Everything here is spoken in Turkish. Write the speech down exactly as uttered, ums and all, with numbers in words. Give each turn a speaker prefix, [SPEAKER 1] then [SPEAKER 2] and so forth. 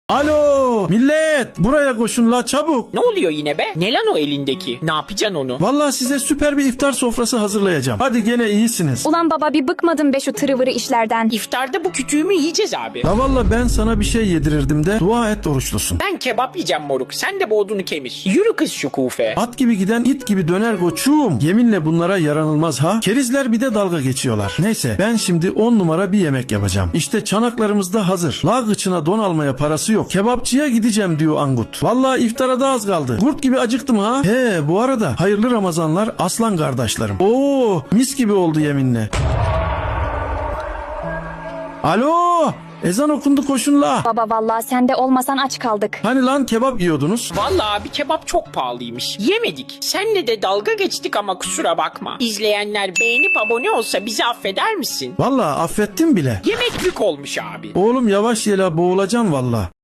[SPEAKER 1] Alo millet, buraya koşun la çabuk.
[SPEAKER 2] Ne oluyor yine be? Ne lan o elindeki? Ne yapacaksın onu?
[SPEAKER 1] Vallahi size süper bir iftar sofrası hazırlayacağım. Hadi gene iyisiniz.
[SPEAKER 3] Ulan baba bir bıkmadın be şu tırıvırı işlerden.
[SPEAKER 2] İftarda bu kütüğümü yiyeceğiz abi.
[SPEAKER 1] La valla ben sana bir şey yedirirdim de dua et oruçlusun.
[SPEAKER 2] Ben kebap yiyeceğim moruk. Sen de bu odunu kemir. Yürü kız şu kufe.
[SPEAKER 1] At gibi giden it gibi döner koçum. Yeminle bunlara yaranılmaz ha. Kerizler bir de dalga geçiyorlar. Neyse ben şimdi on numara bir yemek yapacağım. İşte çanaklarımız da hazır. La gıçına don almaya parası yok. Kebapçıya gideceğim diyor Angut. Vallahi iftara da az kaldı. Kurt gibi acıktım ha. He bu arada hayırlı Ramazanlar aslan kardeşlerim. Oo mis gibi oldu yeminle. Alo ezan okundu koşun la.
[SPEAKER 3] Baba vallahi sen de olmasan aç kaldık.
[SPEAKER 1] Hani lan kebap yiyordunuz?
[SPEAKER 2] Vallahi abi kebap çok pahalıymış. Yemedik. Senle de dalga geçtik ama kusura bakma. İzleyenler beğenip abone olsa bizi affeder misin?
[SPEAKER 1] Vallahi affettim bile.
[SPEAKER 2] Yemeklik olmuş abi.
[SPEAKER 1] Oğlum yavaş ye la boğulacaksın valla.